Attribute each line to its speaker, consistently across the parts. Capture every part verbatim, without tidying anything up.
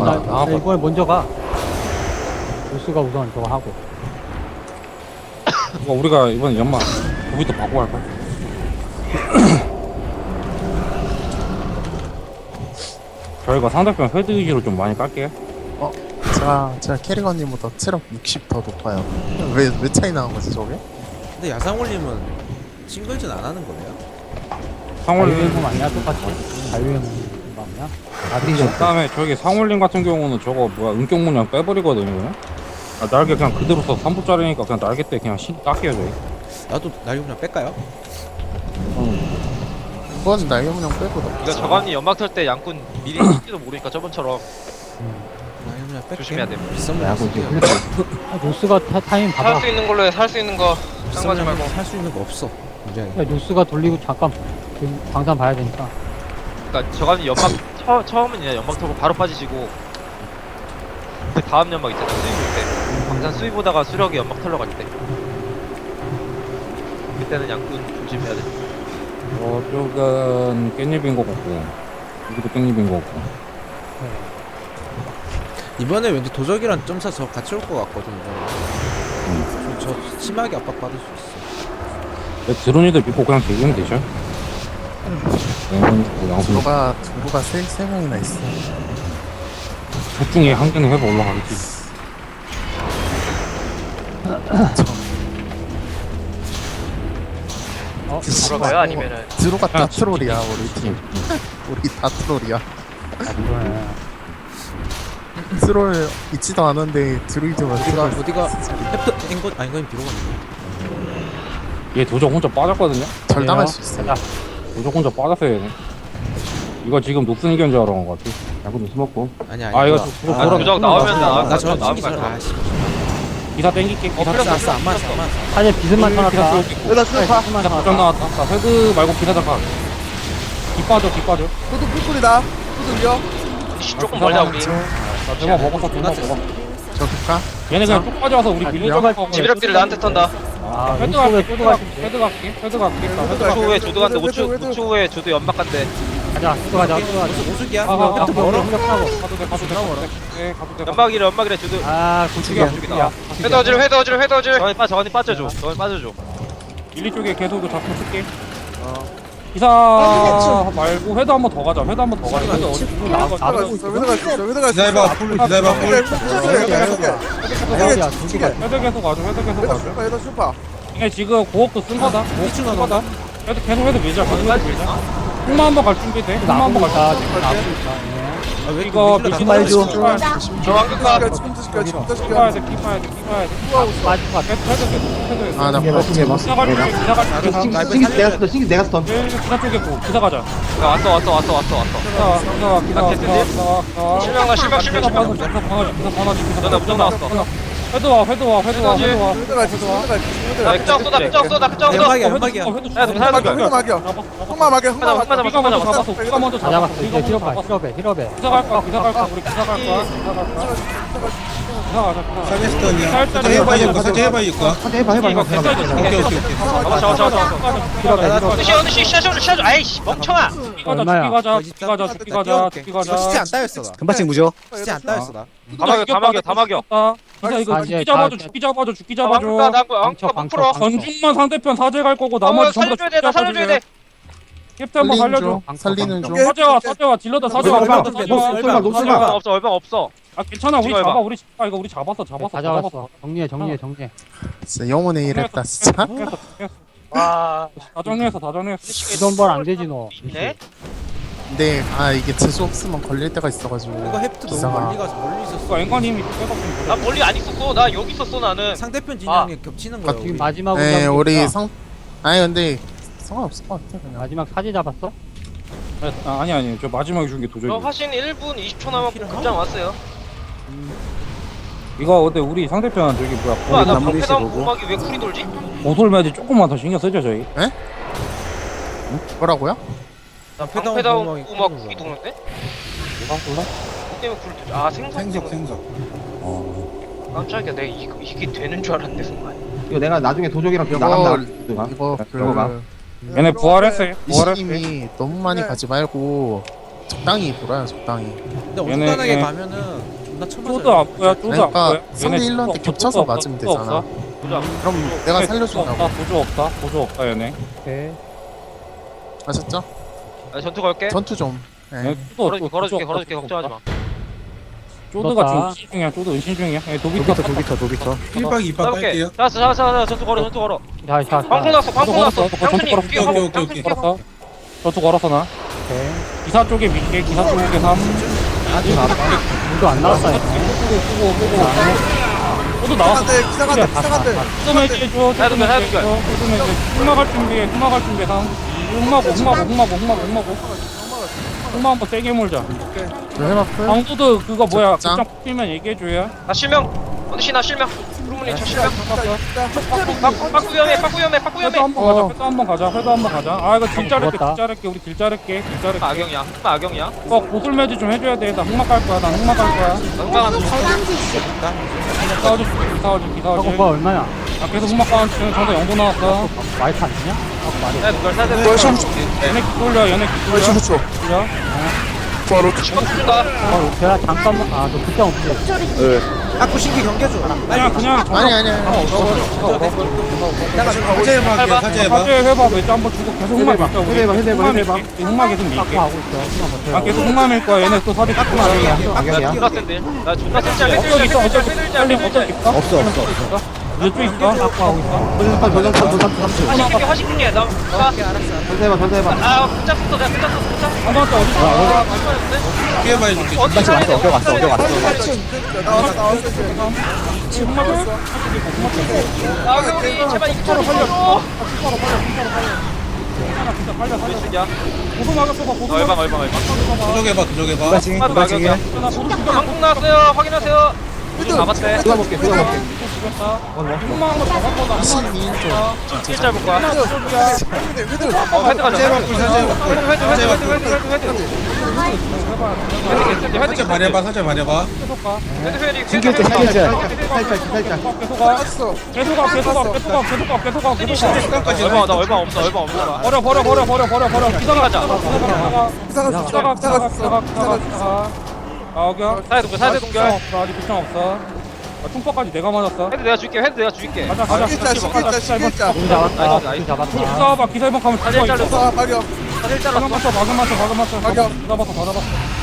Speaker 1: 나,
Speaker 2: 아,
Speaker 1: 나 이번에 먼저 가. 보스가 우선 저거 하고.
Speaker 2: 이거 우리가 이번에 연마 거기도 바꾸고 할까? 저희가 상대편 헤드 위주로 좀 많이 깔게요.
Speaker 3: 어? 제가 제가 캐리건님보다 체력 육십 더 높아요. 왜 왜 차이 나는 거지 저게?
Speaker 4: 근데 야상올림은 싱글전 안 하는 거네요?
Speaker 2: 상월님
Speaker 1: 자유행동 아니야? 똑같이. 자유행동 아니야?
Speaker 2: 그 다음에 저기 상월님 같은 경우는 저거 뭐야 은격 문양 빼버리거든요. 아, 날개 그냥 그대로 써 삼 부짜리니까 그냥 날개 때 그냥 신 깎여요 저희.
Speaker 4: 나도 날개 그냥 뺄까요?
Speaker 3: 이번 날개문형 빼고 나.
Speaker 5: 이거 저감이 연막 털 때 양꾼 미리 할지도 모르니까 저번처럼
Speaker 4: 날개 그냥 뺄게.
Speaker 5: 조심해야 돼.
Speaker 4: 비싼 거 쓸게요.
Speaker 1: 아, 노스가 타, 타임 봐봐.
Speaker 5: 살 수 있는 걸로 해. 살 수 있는 거
Speaker 4: 비싼
Speaker 5: 쌍가지 말고.
Speaker 4: 살수 있는 거 없어. 문제는.
Speaker 1: 야, 노스가 돌리고 잠깐 지금 광산 봐야 되니까.
Speaker 5: 그러니까 저감이 연막 처, 처음은 그냥 연막 털고 바로 빠지시고 그 다음 연막 있잖아. 수입 때 광산 수입 보다가 수력이 연막 털러 갈 때. 그때는 양꾼 조심해야 돼.
Speaker 2: 저쪽은 깻잎인 거 같고 여기도 깻잎인 거 같고.
Speaker 4: 이번에 왠지 도적이랑 점사 저 같이 올 것 같거든요.
Speaker 2: 음.
Speaker 4: 저, 저 심하게 압박받을 수 있어.
Speaker 2: 네, 드론이들 믿고 그냥 대기면 되죠? 네, 양손
Speaker 3: 누가 누가 세세 명이나 있어.
Speaker 2: 둘 중에 한 개는 해서 올라가겠지.
Speaker 1: 어?
Speaker 5: 돌아가요? 아니면은
Speaker 3: 드로가 다
Speaker 2: 아,
Speaker 3: 트롤이야 우리 팀. 우리 다 트롤이야.
Speaker 1: 아, 이거네.
Speaker 3: 트롤 있지도 않은데 드루이드가
Speaker 4: 어디가
Speaker 3: 트롤.
Speaker 4: 어디가 햅트 앵거 아니 이건 비로가
Speaker 2: 얘 도적 혼자 빠졌거든요?
Speaker 3: 절당할 수 있어.
Speaker 1: 자,
Speaker 2: 도적 혼자 빠졌어야 되네. 이거 지금 녹슨 이견 줄 알아온 것 같아. 야구 녹슨 먹고.
Speaker 4: 아니 아니.
Speaker 2: 아, 이거
Speaker 4: 그거-
Speaker 2: 그거
Speaker 4: 아,
Speaker 2: 돌아-
Speaker 5: 도적 나오면 나
Speaker 4: 나 저거
Speaker 5: 나오면
Speaker 4: 신기
Speaker 5: 갈
Speaker 4: 아 씨.
Speaker 2: 기사 땡길게. 기사
Speaker 5: 필요
Speaker 4: 알았어
Speaker 5: 없어,
Speaker 4: 알았어 안 맞았어 안 맞았어.
Speaker 1: 사실 비스만
Speaker 2: 기사
Speaker 1: 쳐놨다.
Speaker 2: 쏠게.
Speaker 6: 여기다 수파
Speaker 1: 비스만
Speaker 2: 도적
Speaker 1: 쳐놨다.
Speaker 2: 나왔다. 자, 헤드 말고 기사 잠깐. 기 빠져, 기 빠져.
Speaker 6: 후드 뿔뿔이다 후드 올려
Speaker 5: 씨, 조금 멀다 우리.
Speaker 2: 자, 대박 먹었어, 대박 먹어.
Speaker 3: 저기까?
Speaker 2: 얘네 그냥 쭉 빠져와서 우리 밀려줘.
Speaker 5: 지비력들이 나한테 턴다.
Speaker 1: 아,
Speaker 2: 헤드
Speaker 1: 노스가
Speaker 2: 갈게,
Speaker 1: 쪼도
Speaker 2: 헤드
Speaker 1: 갈
Speaker 2: 갈게,
Speaker 1: 수
Speaker 2: 헤드 갈게, 헤드 갈게. 자, 헤드
Speaker 5: 오 초
Speaker 2: 갈게.
Speaker 5: 후에 조드 간대. 오 초
Speaker 6: 왜들, 왜들.
Speaker 5: 오 초 후에 조드 연막 간대.
Speaker 1: 가자, 쪼도 가자, 쪼도 가자.
Speaker 4: 오수 오수기야.
Speaker 2: 아, 아, 아,
Speaker 1: 햅트 멀어, 햅트 하고.
Speaker 2: 가도 돼, 가도 돼, 가도 돼. 네, 가도 돼.
Speaker 5: 연막이래 연막이래 조드.
Speaker 1: 아, 고추기야, 고추기야.
Speaker 5: 회더질 회더질 회더질. 저기 빠 저기 빠져줘. 저기 빠져줘.
Speaker 2: 일리 쪽에 계속 그 잡고 쓸게.
Speaker 5: 어.
Speaker 2: 기사 말고 회도 한 번 더 가자. 회도 한 번 더 가자. 회도 어디
Speaker 1: 나-
Speaker 6: 왜들 갈수 있어 왜들 갈수 있어 왜들 갈수 있어
Speaker 7: 기다려봐 풀 기다려봐 풀
Speaker 1: 어디야, 고추기야.
Speaker 2: 회도 계속 가자. 회도 계속
Speaker 6: 얘들
Speaker 2: 가자.
Speaker 6: 슈파 얘들 슈파
Speaker 2: 이게 지금 고업도 쓴 거다. 고업도 쓴 거다. 회도 계속 회도 밀자. 계속 회도 밀자. 흑마 한번 갈 준비 돼. 흑마 한번 갈
Speaker 1: 나보다,
Speaker 2: 준비.
Speaker 1: 지금 나보다.
Speaker 4: 아, 왜
Speaker 2: 이거
Speaker 4: 이렇게
Speaker 2: 미신
Speaker 4: 밀리나?
Speaker 2: 말죠.
Speaker 5: 저 왕극가.
Speaker 6: 지금부터 시켜 지금부터
Speaker 2: 키 봐야
Speaker 6: 시켜
Speaker 2: 돼. 키 봐야 돼. 키 봐야 돼.
Speaker 1: 맞을 것 같아.
Speaker 2: 회도 회도 계속 회도.
Speaker 3: 아나
Speaker 2: 기사 갈 준비. 기사 갈 준비.
Speaker 7: 신기 내가 스턴 신기 내가 스턴
Speaker 2: 예, 기사 쪽에 고. 기사 가자.
Speaker 5: 야, 왔어 왔어 왔어 왔어 왔어.
Speaker 2: 기사 기사 기사
Speaker 5: 나
Speaker 2: 기사
Speaker 5: 캐스팅?
Speaker 2: 기사.
Speaker 5: 실명아 실명 실명
Speaker 2: 기사
Speaker 5: 실명.
Speaker 2: 기사 방어지. 기사 방어지. 기사
Speaker 5: 너네 무적 나왔어.
Speaker 2: 회도 와. 회도 와. 회도 와. 회도 와.
Speaker 6: 왜들 갈수 있어 왜들 갈수 있어
Speaker 5: 나
Speaker 6: 왜들
Speaker 5: 극장 쏘다 극장 쏘다 극장 쏘다.
Speaker 4: 연막이야 연막이야.
Speaker 5: 야, 너 살려줘.
Speaker 6: 막혀 막혀 흑마 막혀 흑마
Speaker 5: 흑마
Speaker 6: 막혀
Speaker 5: 잡아, 흑마 잡아.
Speaker 2: 잡았어. 기사 먼저
Speaker 1: 다
Speaker 2: 잡았어.
Speaker 1: 잡았어. 이제 힐업해, 힐업해, 힐업해.
Speaker 2: 기사 갈 거야. 기사 갈 거야. 우리 기사 갈 거야. 기사 갈 거야. 기사 가자. 기사 가자.
Speaker 7: 사제 스턴이야
Speaker 2: 살짝
Speaker 7: 사제 해봐 이거 사제 해봐 이거
Speaker 6: 사제 해봐 해봐
Speaker 5: 이거
Speaker 6: 해봐
Speaker 5: 괜찮아.
Speaker 7: 오케이 오케이 오케이
Speaker 5: 잡아 잡아 잡아 잡아.
Speaker 1: 힐업해, 힐업해.
Speaker 5: 어느 시 어느 시 시야줘 시야줘. 아이씨 멍청아.
Speaker 2: 죽기 가자.
Speaker 1: 얼마야?
Speaker 2: 죽기 가자. 죽기 가자. 죽기 가자. 죽기
Speaker 4: 이거 시체
Speaker 2: 가자.
Speaker 4: 안 따였어 나.
Speaker 6: 금바씩 무죠
Speaker 4: 시체 안 따였어 나.
Speaker 5: 다 막여 다 막여 다 막여.
Speaker 2: 기사 이거
Speaker 1: 아,
Speaker 2: 죽기
Speaker 1: 이제
Speaker 2: 잡아줘.
Speaker 1: 다-
Speaker 2: 죽기 잡아줘. 죽기
Speaker 5: 아, 왕극가
Speaker 2: 잡아줘.
Speaker 5: 나 왕극가
Speaker 1: 방쳐,
Speaker 5: 못
Speaker 1: 방쳐,
Speaker 5: 풀어.
Speaker 1: 방쳐.
Speaker 2: 전중만 상대편 사제 갈 거고
Speaker 5: 어
Speaker 2: 나머지 전부
Speaker 5: 살려줘야 돼. 나 살려줘야 돼.
Speaker 2: 캡틴 한번
Speaker 3: 살리는
Speaker 2: 살려줘.
Speaker 3: 중 살리는 중.
Speaker 2: 사제와 사제와 딜러다 사제와
Speaker 6: 얼마,
Speaker 2: 사제와
Speaker 4: 얼마,
Speaker 2: 사제와
Speaker 4: 얼마,
Speaker 2: 사제와.
Speaker 5: 얼마 없어 얼마 없어.
Speaker 2: 아 괜찮아. 우리
Speaker 5: 찍어봐.
Speaker 2: 잡아. 우리 아 이거 우리 잡았어. 잡았어.
Speaker 1: 다 잡았어. 정리해, 정리해, 정리해.
Speaker 3: 진짜 영혼의 일했다 진짜.
Speaker 2: 정리했어, 정리했어.
Speaker 5: 와.
Speaker 2: 다 정리했어. 다 정리했어.
Speaker 1: 이돈벌 안 되지, 너.
Speaker 5: 있네.
Speaker 3: 근데 아 이게 재수 없으면 걸릴 때가 있어가지고.
Speaker 4: 이거 햅트 너무
Speaker 3: 기사가.
Speaker 4: 멀리 가서 멀리 있었어.
Speaker 2: 이거 앵커님이 백업 좀
Speaker 5: 나
Speaker 2: 그래.
Speaker 5: 멀리 안 있었어. 나 여기 있었어 나는.
Speaker 4: 상대편 진영이 겹치는 거야.
Speaker 1: 지금
Speaker 4: 우리.
Speaker 1: 마지막으로
Speaker 3: 네
Speaker 1: 잡은
Speaker 3: 우리
Speaker 1: 거니까.
Speaker 3: 상 아니 근데 상관없을 것 같아 그냥.
Speaker 1: 마지막 사제 잡았어?
Speaker 2: 아, 아니 아니. 저 마지막에 준 게 도저히.
Speaker 5: 저 화신 일 분 이십 초 남았고 급장 왔어요.
Speaker 2: 이거 근데 우리 상대편 저기 뭐야
Speaker 5: 와, 나
Speaker 2: 고리
Speaker 5: 방패 나온 고막이 왜 쿨이 돌지?
Speaker 2: 고솔 매지 조금만 더 신경 쓰죠 저희.
Speaker 3: 뭐라고요?
Speaker 5: 나
Speaker 4: 방패
Speaker 5: 방패
Speaker 4: 나온
Speaker 5: 나온
Speaker 4: 고막이
Speaker 5: 고막
Speaker 4: 쿨이
Speaker 5: 쿨이 도는데?
Speaker 2: 뭐가 몰라?
Speaker 5: 그 때문에 쿨이 돌지. 아 생선
Speaker 7: 생석
Speaker 5: 때문에.
Speaker 7: 생석
Speaker 2: 어.
Speaker 5: 깜짝이야. 내가 이거, 이게 되는 줄 알았는데 순간.
Speaker 6: 이거 내가 나중에 도적이랑 병
Speaker 3: 이거
Speaker 6: 나간다
Speaker 3: 이거
Speaker 6: 들어가.
Speaker 3: 그
Speaker 2: 얘네 부활했어요. 부활했어요.
Speaker 3: 이시님이 너무 많이 가지 말고 적당히 돌아요 적당히.
Speaker 4: 근데
Speaker 2: 얘네,
Speaker 4: 온간하게
Speaker 2: 얘네.
Speaker 4: 가면은 존나 처맞아요.
Speaker 2: 쪼도 안 보여 쪼도 안
Speaker 3: 그러니까
Speaker 2: 보여
Speaker 3: 상대
Speaker 2: 얘네
Speaker 3: 힐러한테
Speaker 2: 쪼도
Speaker 3: 겹쳐서
Speaker 2: 없어,
Speaker 3: 맞으면
Speaker 2: 쪼도
Speaker 3: 되잖아.
Speaker 2: 없어.
Speaker 5: 보자.
Speaker 3: 그럼 내가
Speaker 2: 쪼도
Speaker 3: 살려준다고.
Speaker 2: 없다 보조 없다 보조 없다 얘네
Speaker 1: 오케이.
Speaker 3: 아셨죠?
Speaker 5: 나 전투 걸게.
Speaker 3: 전투 좀. 예.
Speaker 2: 얘네 쪼도
Speaker 5: 걸어줄게,
Speaker 2: 없고
Speaker 5: 걸어줄게,
Speaker 2: 보조
Speaker 5: 걸어줄게.
Speaker 2: 없다,
Speaker 5: 걱정하지 마.
Speaker 2: 쪼드가 지금
Speaker 1: 떴다.
Speaker 2: 은신 중이야 쪼드 은신 중이야 얘 도비터
Speaker 1: 도비터, 도비터.
Speaker 7: 일 박 이 박
Speaker 5: 잡을게.
Speaker 7: 할게요.
Speaker 5: 잡았어, 잡았어, 잡았어. 전투 걸어, 전투 걸어.
Speaker 1: 자, 자, 자.
Speaker 5: 광풍 났어, 광풍 났어.
Speaker 2: 걸었어, 전투
Speaker 5: 장순이
Speaker 2: 걸었어.
Speaker 5: 뛰어,
Speaker 7: 오케이, 오케이,
Speaker 5: 장순이
Speaker 7: 오케이.
Speaker 5: 뛰어.
Speaker 2: 걸었어 전투 걸었어 나
Speaker 1: 오케이.
Speaker 2: 기사 쪽에 밀게 기사 쪽에 삼
Speaker 1: 문도 안 나왔어. 이거.
Speaker 2: 끄고 끄고 끄고 쪼드 나왔어
Speaker 6: 기사간대 기사간대 기사간대
Speaker 2: 쪼드 매지해줘 쪼드
Speaker 5: 해도 돼, 해도 돼.
Speaker 2: 매지해줘 쪼드 매지해줘 흑마갈 준비해 흑마갈 준비해 삼 흑마고 흑마고 흑마고 흑마고 흑마고 흑마 한번 세게 몰자
Speaker 3: 해봤어요?
Speaker 2: 강도도 그거 뭐야
Speaker 3: 짱.
Speaker 2: 극장 뽑히면 얘기해줘야
Speaker 5: 나 실명. 어디시 나 실명. 루문이 저 실명.
Speaker 2: 빡
Speaker 5: 빠꾸 빠꾸 위험해, 빠꾸 위험해, 빠꾸
Speaker 2: 회도
Speaker 5: 위험해.
Speaker 2: 한번 가자 회도 한번 가자 회도 한번 가자 아 이거 딜 자를게
Speaker 1: 죽었다.
Speaker 2: 딜 자를게 우리 딜 자를게 딜 자를게
Speaker 5: 흑마 악영이야, 흑마 악영이야.
Speaker 2: 어 고술 매지 좀 해줘야 돼나 흑마 갈 거야 나 흑마 갈 거야
Speaker 5: 나 흑마 가는 중.
Speaker 2: 싸워줄 싸워줄
Speaker 1: 하고
Speaker 2: 싸워줄
Speaker 1: 뭐 얼마야?
Speaker 2: 아 계속 흑마 가는 중 전에 영도 나왔어
Speaker 1: 와이프 아니냐? 하고 말이.
Speaker 5: 야, 누가 사야 돼?
Speaker 2: 얘네 기 돌려 얘네 기 돌려 돌려
Speaker 5: 시간 준다.
Speaker 1: 어, 제가 잠깐만. 아, 너 그때 없지.
Speaker 4: 아쿠 신기 경계줘.
Speaker 2: 그냥 그냥
Speaker 3: 아니 아니 아니.
Speaker 4: 내가
Speaker 7: 사제 해봐 할게요. 사제 해봐.
Speaker 2: 사제 해봐 매주 한번 주고 계속 흑마 밀자 우리
Speaker 6: 해봐, 해봐,
Speaker 2: 흑마
Speaker 6: 해봐.
Speaker 2: 밀게. 흑마 계속 밀게
Speaker 1: 닦고 하고 있어. 그만 버텨요.
Speaker 2: 아 계속 흑마 밀 거야 얘네 또 사제 깎고 나중이야
Speaker 6: 악영이야
Speaker 5: 존나 센데. 나 존나 센지 알려.
Speaker 2: 어쩌기 있어 어쩌기
Speaker 5: 세들지
Speaker 2: 있어
Speaker 5: 알려.
Speaker 2: 어쩌기 있어 없어 없어 없어 이쪽 있어 깎고 하고 있어
Speaker 5: 화십 개, 화십 개. 나, 나,
Speaker 6: 전사해봐 전사해봐
Speaker 5: 아, 혼자 썼어. 내가 혼자 썼어. 혼자.
Speaker 2: 한 번째 어디 있어
Speaker 5: 아, 맞았는데?
Speaker 7: 피해 봐 해줄게.
Speaker 5: 어디 있어? 어디 갔어? 어디 갔어?
Speaker 6: 나왔어 나왔어
Speaker 2: 흑마 줘
Speaker 5: 아, 형이 제발 이쪽으로 살려.
Speaker 2: 빨리 살려
Speaker 5: 쓰냐?
Speaker 2: 고소 막았어 봐 고소
Speaker 5: 얼방, 얼방, 얼방.
Speaker 7: 도적 해봐 도적 해봐.
Speaker 5: 흑마 마격이야. 방송 나왔어요. 확인하세요. 잡았대.
Speaker 6: 누가 먹게 누가 먹게
Speaker 2: 흑마 한번 잡았거든
Speaker 3: 신인 좀.
Speaker 5: 진짜 볼 거야.
Speaker 6: 회들 회들
Speaker 5: 어, 헤드 가자.
Speaker 7: 사제 해봐 꿀 사제 해봐 꿀.
Speaker 5: 헤드, 헤드,
Speaker 7: 사제
Speaker 5: 헤드,
Speaker 7: 해봐
Speaker 5: 헤드,
Speaker 7: 꿀.
Speaker 5: 헤드, 헤드, 헤드. 헤드, 헤드,
Speaker 7: 사제 말해봐 사제 말해봐.
Speaker 2: 계속 가
Speaker 5: 헤드, 헤드,
Speaker 6: 신기할 때
Speaker 5: 헤드,
Speaker 6: 살짝
Speaker 5: 헤드,
Speaker 6: 살짝 살짝
Speaker 2: 계속 가 계속 가 계속 가 계속 가 계속 가 계속 가 계속 가
Speaker 7: 시간까지
Speaker 5: 얼마, 나 얼마 없어, 얼마 없어.
Speaker 2: 버려 버려 버려 버려 버려 버려 기다가
Speaker 5: 가자.
Speaker 2: 기다가
Speaker 6: 기사가
Speaker 2: 기다가
Speaker 6: 기사가
Speaker 2: 기다가 기다가 기다가 나오겨
Speaker 5: 사회 동결, 사회 동결.
Speaker 2: 없어 아직 부정 없어 아, 총파까지 내가 맞았어
Speaker 5: 헤드 내가 줄게, 헤드 내가 줄게.
Speaker 2: 가자 가자
Speaker 6: 신길자 신길자 신길자
Speaker 1: 공 잡았다.
Speaker 5: 나이스,
Speaker 1: 공
Speaker 5: 나이스.
Speaker 1: 잡았다.
Speaker 2: 싸워봐 기사 일번 가면
Speaker 5: 사제
Speaker 2: 죽어
Speaker 5: 잘랐어.
Speaker 2: 이거
Speaker 6: 아 마격
Speaker 5: 사실
Speaker 2: 박음
Speaker 5: 잘랐어.
Speaker 2: 맞춰 박음 맞춰 박음 맞춰
Speaker 6: 가격.
Speaker 2: 받아봤어 받아봤어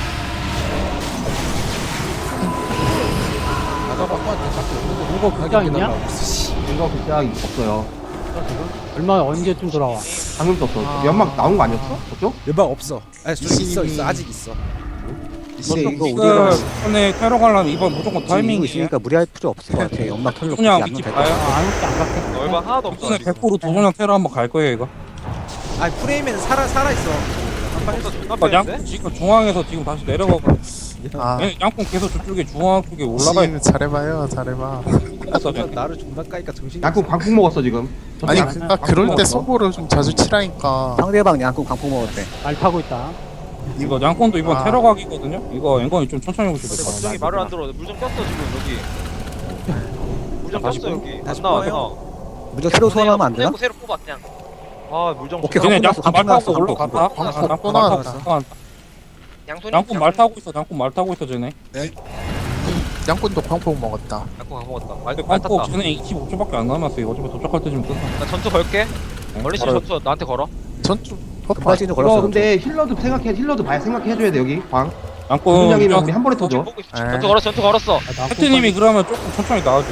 Speaker 1: 이거 극장 있냐?
Speaker 6: 이거 극장 없어요
Speaker 1: 얼마 언제쯤 돌아와?
Speaker 6: 방금 떴어 연막 나온 거 아니었어? 저쪽?
Speaker 4: 연방 없어. 아니 저 있어 있어 아직 있어.
Speaker 8: 이제 이거
Speaker 2: 지금
Speaker 8: 우리가
Speaker 2: 이번에 테러 관람 이번 무조건
Speaker 8: 지금 이거
Speaker 2: 타이밍이야
Speaker 8: 있으니까 무리할 필요 없을 것 같아. 연막 털로 굳이
Speaker 2: 그냥
Speaker 8: 안
Speaker 2: 위치
Speaker 8: 넣어도
Speaker 2: 봐요
Speaker 8: 될것
Speaker 1: 아, 안 올게 안 갈게.
Speaker 5: 얼마 하나도 없어.
Speaker 2: 이번에 백 퍼센트 도전형 테러 한번 갈 거예요 이거
Speaker 4: 아니 프레임에는 살아 살아 있어.
Speaker 5: 한판에서 존나
Speaker 2: 아, 양
Speaker 5: 빼는데?
Speaker 2: 지금 중앙에서 지금 다시 내려가고
Speaker 3: 아
Speaker 2: 얘 양꾼 계속 저쪽에 중앙 쪽에 올라가
Speaker 3: 신 잘해봐요 잘해봐.
Speaker 2: 있어
Speaker 4: 존나 나를 존나 까니까 정신이.
Speaker 6: 양궁 광풍 먹었어 지금
Speaker 3: 아니
Speaker 6: 저쪽
Speaker 3: 그니까 그럴 때 소보를 좀 자주 치라니까.
Speaker 8: 상대방 양꾼 강포 먹었대.
Speaker 1: 말 타고 있다.
Speaker 2: 이거 양꾼도 이번
Speaker 3: 아.
Speaker 2: 테러 각이거든요 이거 앵건이 좀 천천히 오셔도 될것
Speaker 5: 걱정이
Speaker 2: 같아
Speaker 5: 말을 안 들어. 물 좀 꼈어 지금 여기. 물 좀
Speaker 2: 다시
Speaker 5: 꼈어
Speaker 2: 뽑-
Speaker 5: 여기.
Speaker 4: 다시
Speaker 5: 안 나와.
Speaker 4: 뽑아요?
Speaker 5: 형.
Speaker 8: 무적 새로 소환하면 안 되나?
Speaker 5: 떼고 새로 뽑아 그냥. 아 물 좀.
Speaker 8: 오케이,
Speaker 2: 쟤네
Speaker 8: 광풍
Speaker 2: 양꾼 말
Speaker 8: 났어,
Speaker 2: 타고
Speaker 8: 광풍
Speaker 2: 올라갔다
Speaker 3: 광풍
Speaker 2: 아,
Speaker 3: 또
Speaker 2: 양꾼 말 타고
Speaker 3: 나왔다.
Speaker 2: 올라갔다
Speaker 5: 양손이.
Speaker 2: 양꾼 말 타고 있어 양꾼 말 타고 있어 쟤네
Speaker 3: 양꾼도 광폭 먹었다.
Speaker 5: 양꾼 안 먹었다. 말,
Speaker 2: 근데
Speaker 5: 말
Speaker 2: 광고
Speaker 5: 탔다.
Speaker 2: 쟤네 이십오 초밖에 안 남았어 이거 어차피 도착할 때쯤 끝나
Speaker 5: 나 전투 걸게.
Speaker 2: 네,
Speaker 5: 멀리서
Speaker 2: 바로
Speaker 5: 전투 나한테 걸어.
Speaker 3: 전투 퍼파.
Speaker 8: 금발진도
Speaker 6: 이거
Speaker 8: 걸었어.
Speaker 6: 근데 힐러도 생각해 힐러도 봐야 생각해줘야 돼 여기 광
Speaker 2: 양꾼
Speaker 6: 분량이면 우리 한 번에 터져
Speaker 5: 보고 있어.
Speaker 3: 에.
Speaker 5: 전투 걸었어. 전투 걸었어.
Speaker 1: 아, 나
Speaker 2: 캡틴님이 그러면 조금 천천히 나와줘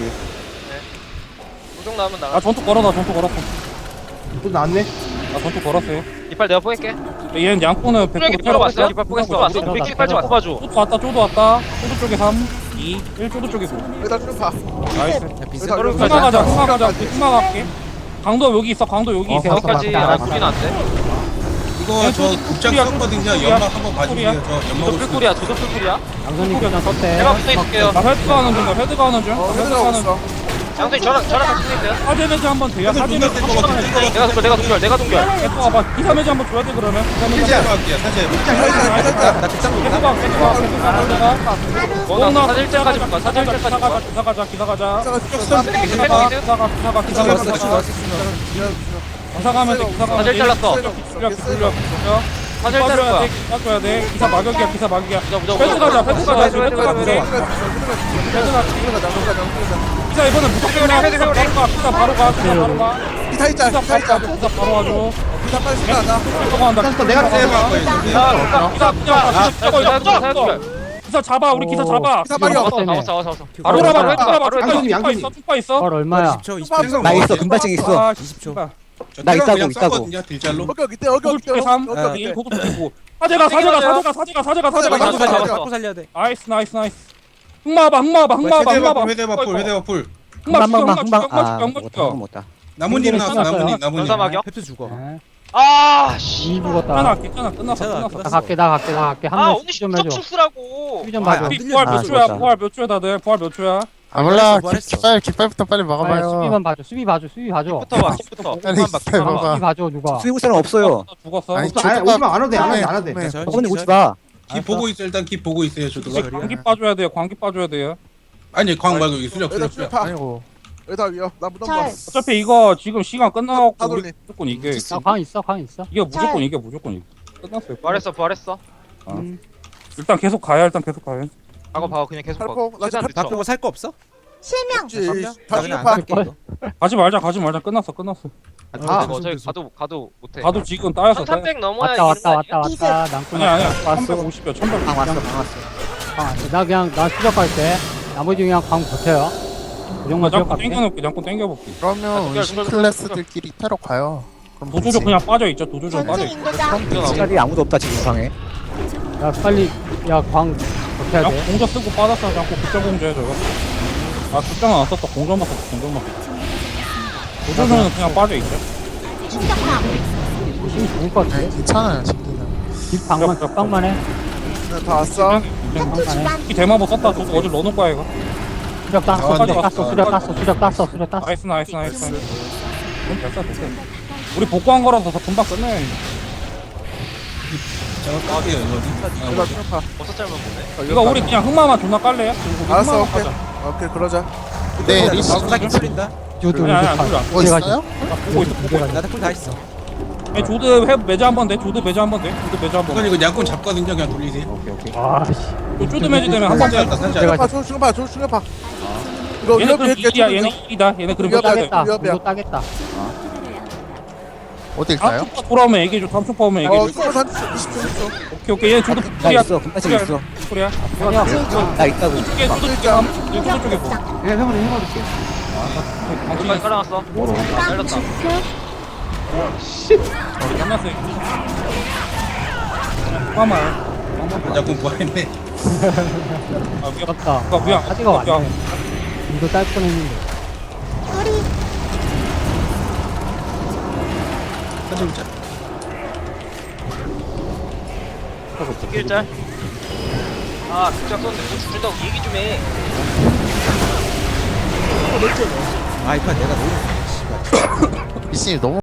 Speaker 5: 무정 나오면
Speaker 2: 아
Speaker 5: 나가.
Speaker 2: 전투 걸어 나 전투 걸었어
Speaker 6: 또 나왔네
Speaker 2: 나 전투 걸었어요
Speaker 5: 이빨 내가 뽑을게.
Speaker 2: 얘는 양꾼은 백
Speaker 5: 푸르기
Speaker 2: 퍼센트 테러
Speaker 5: 뽑았어.
Speaker 2: 각이야
Speaker 5: 이빨 뽑았어.
Speaker 1: 우리
Speaker 5: 우리 이빨 좀 뽑아줘.
Speaker 2: 쪼도 왔다 쪼도 왔다 쪼도 쪽에 삼 이 일 쪼도 쪽에 구
Speaker 6: 여기다 쭉봐
Speaker 2: 나이스
Speaker 6: 여기다
Speaker 2: 흑마 가자 흑마 가자 우리 흑마 갈게 강도 여기 있어 강도 여기 있어
Speaker 5: 여기까지
Speaker 1: 아,
Speaker 5: 아 소리는 안 돼.
Speaker 7: 이거 저 국장 썼거든요. 연막 한번 봐주세요. 저
Speaker 5: 저도
Speaker 7: 연막으로.
Speaker 5: 풀꿀이야. 저도 풀꿀이야.
Speaker 1: 양손님 그냥 썼대.
Speaker 5: 내가 붙어 있을게요.
Speaker 2: 나 헤드 가는 중, 나 헤드 가는 중,
Speaker 6: 어
Speaker 2: 헤드
Speaker 6: 헤드가
Speaker 2: 가는 중.
Speaker 6: 없어
Speaker 5: 양손이 저랑 저랑 같이 있어요.
Speaker 2: 사제 매지 한번 돼요.
Speaker 7: 사제
Speaker 2: 사제
Speaker 7: 존나
Speaker 2: 매지
Speaker 7: 뜰것
Speaker 2: 한번
Speaker 7: 같아. 뜰것
Speaker 5: 내가 동결. 내가 동결. 내가 동결.
Speaker 2: 계속 와봐. 기사 매지 한번 줘야 돼 그러면. 기사 매지
Speaker 7: 사제
Speaker 2: 한번.
Speaker 7: 할게요. 사제.
Speaker 6: 살짝 살짝
Speaker 4: 나 극장
Speaker 2: 계속 와, 계속 와, 계속 와. 내가.
Speaker 5: 어, 나 사제 일자까지 볼까? 사제 일자까지
Speaker 2: 기사 가자,
Speaker 5: 볼까?
Speaker 2: 기사 가자, 기사 가자.
Speaker 6: 기사가 죽였어
Speaker 5: 헤드
Speaker 2: 기사
Speaker 5: 헤드
Speaker 2: 가,
Speaker 5: 헤드.
Speaker 2: 기사 가, 기사 가, 기사 가, 기사 가. 기사 가면 돼, 기사 가.
Speaker 5: 사제 잘랐어.
Speaker 2: 굴려, 굴려, 굴려.
Speaker 5: 사실 따를
Speaker 2: 빠져야
Speaker 5: 거야.
Speaker 2: 돼. 빠져야 돼. 기사 마격이야. 기사 마격이야.
Speaker 5: 무적 무적.
Speaker 2: 패드 가자. 패드 가자.
Speaker 5: 패드,
Speaker 2: 패드
Speaker 5: 패드,
Speaker 2: 가자.
Speaker 5: 패드,
Speaker 2: 패드
Speaker 5: 패드.
Speaker 2: 가자. 기사 이번엔 무조건 해. 기사 바로 가. 기사 바로 가. 기사 바로 가.
Speaker 6: 기타 있자
Speaker 2: 기사
Speaker 6: 기타 있자
Speaker 2: 바로 가. 기사 바로 와줘.
Speaker 6: 기타 빨리 생각하자
Speaker 2: 저거 한다.
Speaker 6: 또 내가
Speaker 2: 기사
Speaker 6: 세요.
Speaker 2: 바로 가.
Speaker 5: 야,
Speaker 2: 기사 그냥 가. 저거 이거
Speaker 5: 사연결.
Speaker 2: 기사 잡아. 우리 기사 잡아.
Speaker 6: 기사 빨리 와
Speaker 5: 잡았어 잡았어 잡았어.
Speaker 2: 바로
Speaker 5: 바로
Speaker 2: 잡아.
Speaker 5: 해봐,
Speaker 2: 바로
Speaker 5: 바로
Speaker 2: 잡아.
Speaker 5: 해봐.
Speaker 2: 충파 있어. 충파 있어.
Speaker 1: 헐 얼마야?
Speaker 7: 이십 초 이십 초.
Speaker 8: 나 있어, 금발증 있어.
Speaker 2: 아,
Speaker 7: 이십 초.
Speaker 2: 씨발.
Speaker 8: 나 있다고,
Speaker 7: 그냥
Speaker 8: 있다고.
Speaker 7: 쌌거든요, 딜잘로.
Speaker 6: 어깨 이때 어깨
Speaker 2: 도둑
Speaker 6: 이때
Speaker 2: 쪽에 삼.
Speaker 6: 어깨
Speaker 2: 일
Speaker 6: 이때
Speaker 2: 도둑 쪽이고. 사제가 사제가 사제가 사제가 사제가 사제가
Speaker 6: 사제가
Speaker 2: 사제가.
Speaker 6: 사제가.
Speaker 5: 잡았어.
Speaker 7: 살려야 돼.
Speaker 2: 나이스 나이스 나이스. 흑마봐 흑마봐 흑마봐 흑마봐.
Speaker 7: 회대바풀 회대바풀 회대바풀.
Speaker 2: 흑마
Speaker 8: 한방
Speaker 2: 죽여
Speaker 8: 한방
Speaker 2: 흑마
Speaker 8: 아,
Speaker 2: 죽여 흑마
Speaker 8: 못다
Speaker 2: 죽여.
Speaker 8: 못다.
Speaker 7: 나뭇잎 나왔어
Speaker 1: 끝났어요.
Speaker 7: 나뭇잎 나뭇잎.
Speaker 5: 전사 마격.
Speaker 7: 펩스 죽어.
Speaker 1: 네.
Speaker 5: 아 씨.
Speaker 1: 이 죽었다.
Speaker 2: 괜찮아 괜찮아 끝났어
Speaker 7: 괜찮아,
Speaker 2: 끝났어.
Speaker 1: 나 갈게 나 갈게 나 갈게
Speaker 5: 아
Speaker 1: 한명
Speaker 5: 언니
Speaker 1: 좀
Speaker 5: 십점
Speaker 1: 해줘.
Speaker 5: 출수라고.
Speaker 1: 수비 좀
Speaker 7: 아,
Speaker 1: 봐줘.
Speaker 7: 안
Speaker 2: 피 부활
Speaker 8: 아,
Speaker 2: 몇 초야
Speaker 8: 죽었다.
Speaker 2: 부활 몇 초야 다들 부활 몇 초야.
Speaker 3: 아 몰라
Speaker 7: 부활했어.
Speaker 3: 깃발 깃발부터 빨리
Speaker 1: 빨리
Speaker 3: 막아봐요
Speaker 1: 수비만 봐줘. 수비 봐줘. 수비 봐줘.
Speaker 5: 부터 봐. 부터.
Speaker 3: 빨리
Speaker 5: 그만 봐.
Speaker 3: 깃발
Speaker 5: 그만 봐.
Speaker 3: 봐봐.
Speaker 1: 수비 봐줘 누가.
Speaker 8: 수비구 사람 없어요.
Speaker 2: 죽었어.
Speaker 3: 아니
Speaker 6: 아 오지마 안 와도 돼안 와도 돼안 와도 돼
Speaker 3: 네.
Speaker 8: 어머니 오지 마.
Speaker 7: 기 보고 있어 일단 기 보고 있어요 저도가.
Speaker 2: 광기 빠줘야 돼요 광기 빠줘야 돼요.
Speaker 7: 아니 광 말고 여기 수력
Speaker 6: 여기다
Speaker 7: 수력 수력.
Speaker 6: 파
Speaker 3: 아니고
Speaker 6: 여기다 위어 나 무덤 봐
Speaker 2: 어차피 이거 지금 시간 끝나갖고
Speaker 6: 다
Speaker 2: 우리
Speaker 6: 돌리.
Speaker 2: 무조건 이게
Speaker 1: 나광 있어 광 있어.
Speaker 2: 이게 무조건 이게 무조건 이게 끝났어요.
Speaker 5: 부활했어 부활했어.
Speaker 1: 음.
Speaker 2: 일단 계속 가야 일단 계속 가야.
Speaker 5: 박어 박어 그냥 계속 박어.
Speaker 6: 살포 나
Speaker 5: 최대한
Speaker 6: 지금
Speaker 5: 늦춰.
Speaker 7: 살거 없어?
Speaker 6: 없지
Speaker 7: 나
Speaker 6: 다시
Speaker 7: 그냥
Speaker 6: 파
Speaker 7: 안 갈게 이거.
Speaker 2: 가지 말자 가지 말자 끝났어 끝났어.
Speaker 5: 아 뭐 저기 가도 가도 못해.
Speaker 2: 가도 지금 따였어 따였어.
Speaker 5: 천삼백 넘어야
Speaker 1: 왔다
Speaker 5: 이기는
Speaker 1: 왔다
Speaker 5: 거 아니야?
Speaker 1: 왔다 왔다. 난꾼
Speaker 2: 아니야 아니야
Speaker 1: 왔어.
Speaker 2: 삼백오십이야 천백.
Speaker 8: 방 왔어, 방 왔어.
Speaker 1: 광 왔어. 나 그냥 나 수적 갈게. 나머지 그냥 광 버텨요. 그 정도만 수적
Speaker 2: 잠깐
Speaker 1: 갈게.
Speaker 2: 땡겨놓을게 잠깐 땡겨볼게.
Speaker 3: 그러면
Speaker 5: 아,
Speaker 3: 의심 클래스들끼리 테러 가요. 그럼
Speaker 2: 도조조
Speaker 3: 되지.
Speaker 2: 그냥 빠져있죠 도조조 빠져있죠.
Speaker 8: 시간이 아무도 없다 지금 방에.
Speaker 1: 야 빨리 야광 버텨야
Speaker 2: 그냥
Speaker 1: 돼.
Speaker 2: 공저 쓰고 빠졌어 자꾸 극장 공저해 저거. 아 극장은 안 썼어 공저만 썼어 공저만 썼어. 도조조는 그냥 빠져있죠.
Speaker 1: 힘이 좋을 것 같아.
Speaker 3: 네, 괜찮아요 진기는.
Speaker 1: 뒷방만 뒷방만 해.
Speaker 6: 다 왔어
Speaker 1: 뒷방만 해.
Speaker 2: 이 대마보 썼다 저거 어제 넣어놓을 거야 이거.
Speaker 1: 수적 땄어.
Speaker 2: 나왔네.
Speaker 1: 수적 땄어. 수적 땄어. 수적 땄어. 수적 땄어.
Speaker 2: 나이스 나이스 나이스 그럼 됐어 됐어. 우리 복구한 거라서 더 금방 끝내.
Speaker 7: 제가 깔게요 이거.
Speaker 6: 여기다 지금 파
Speaker 5: 버섯 잘못 보네.
Speaker 2: 이거 우리 그냥 흑마만 존나 깔래요? 그리고 우리
Speaker 6: 알았어
Speaker 2: 흑마만
Speaker 6: 오케이
Speaker 2: 가자.
Speaker 6: 오케이 그러자
Speaker 3: 네 리시
Speaker 7: 나기 풀린다.
Speaker 1: 조드
Speaker 2: 아니 아니 아니
Speaker 3: 뭐 있어요?
Speaker 2: 나 보고 있어 보고 있어.
Speaker 7: 나도 풀다 있어.
Speaker 2: 아니, 조드 해 매주 한번 돼 조드 매주 한번 돼 조드 매주 한번.
Speaker 7: 이건 이거 양꾼 잡거든요 그냥 돌리세요.
Speaker 2: 오케이 오케이.
Speaker 1: 아씨.
Speaker 2: 요 조드 매주 되면 한번 돼.
Speaker 7: 산지였다 산지.
Speaker 1: 내가
Speaker 6: 파 조금 파 조금 파 이거
Speaker 2: 얘네
Speaker 6: 위협
Speaker 2: 그럼
Speaker 6: 위협
Speaker 2: 일이야 얘네 일이다 얘네 그럼 몇
Speaker 6: 위협
Speaker 2: 돼?
Speaker 1: 따겠다.
Speaker 6: 위협이야.
Speaker 1: 이거 따겠다.
Speaker 3: 어딜
Speaker 2: 다음
Speaker 3: 가요?
Speaker 2: 초파 돌아오면 얘기해줘 다음 초파 오면
Speaker 6: 어
Speaker 2: 얘기해줘.
Speaker 6: 스물 한 이십 초 이십 초
Speaker 2: 오케이 오케이 얘 조드
Speaker 8: 나
Speaker 2: 풀이야
Speaker 8: 있어, 금발증 있어.
Speaker 2: 풀이야.
Speaker 8: 나 있다고.
Speaker 2: 이게 조드 쪽에 한 조드 쪽에 보.
Speaker 1: 그냥 형으로 해볼게.
Speaker 5: 여기까지 깔아놨어. 잘렸다.
Speaker 2: 끝났어. 잠깐만.
Speaker 7: 양꾼 부활했네.
Speaker 2: 아 미안.
Speaker 1: 맞다.
Speaker 2: 아 미안.
Speaker 1: 하지가
Speaker 2: 아,
Speaker 1: 왔네. 이거 딸 뻔했는데.
Speaker 7: 산지
Speaker 5: 일짤. 아 극장 썼는데 뭐 죽는다고 얘기 좀 해.
Speaker 7: 아 이판 내가 너무.
Speaker 3: 리시 너무